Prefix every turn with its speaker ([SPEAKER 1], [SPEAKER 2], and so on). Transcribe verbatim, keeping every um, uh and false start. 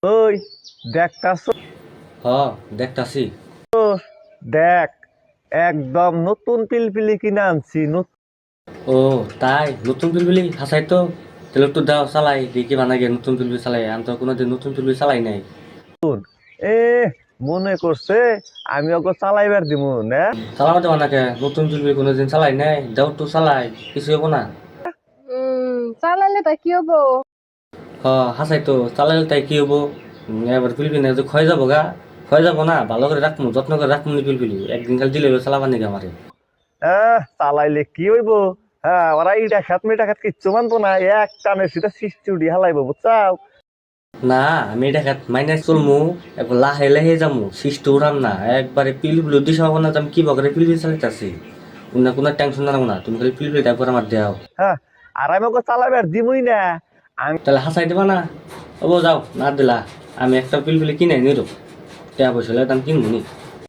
[SPEAKER 1] ওই দেখতাছ?
[SPEAKER 2] হ দেখতাছি।
[SPEAKER 1] দেখ, একদম নতুন পিলপিলি কিনে আনছি।
[SPEAKER 2] ও তাই নতুন পিলপিলি হাসাই তো তাহলে একটু দাও চালাই দেখি বানা গিয়ে নতুন পিলপিলি চালাই আমি তো কোনোদিন নতুন পিলপিলি চালাই নাই।
[SPEAKER 1] নতুন এ মনে করছে আমি ওকে চালাইবার দিব না?
[SPEAKER 2] চালামাতে বানাকে নতুন পিলপিলি কোনোদিন চালাই নাই, দাও একটু চালাই কিছু হবো না।
[SPEAKER 3] উম চালালে তা কি হবো?
[SPEAKER 2] হ হাসাই তো চালাইলে তাই কি হবো? উম, এবার পিলপিলি না ক্ষয় যাবো গা, ক্ষয় যাবো না, ভালো করে রাখবো, যত্ন করে রাখবো নি পিলপিলি, একদিন খালি দিলে চালাবার নাকি আমারে।
[SPEAKER 1] আহ চালাইলে কি হইব? হ্যাঁ, ওরা ইটা খাত মেটা খাত কিচ্ছু মানবো না, এক টানে সেটা সৃষ্টি উঠি হালাইবো, বুঝছাও?
[SPEAKER 2] না আমি এটা খাত মাইনাস চলমু, একবার লাহে লাহে যামু, শিষ্ট উড়াম না, একবারে পিলপিলি দিশা হবো না যে আমি কি বকরে পিলপিলি চালাইতাছি। কোনো কোনো টেনশন না না, তুমি খালি পিলপিলিটা একবার আমার দেও।
[SPEAKER 1] হ্যাঁ, আর আমি ওকে চালাইবার দিবই না। আমি
[SPEAKER 2] তাহলে হাসাই দেবা না? ও যাও না দিলা, আমি একটা পিলপিলি কিনে নিরো, টাকা পয়সা হলে দাম কিনবো নি।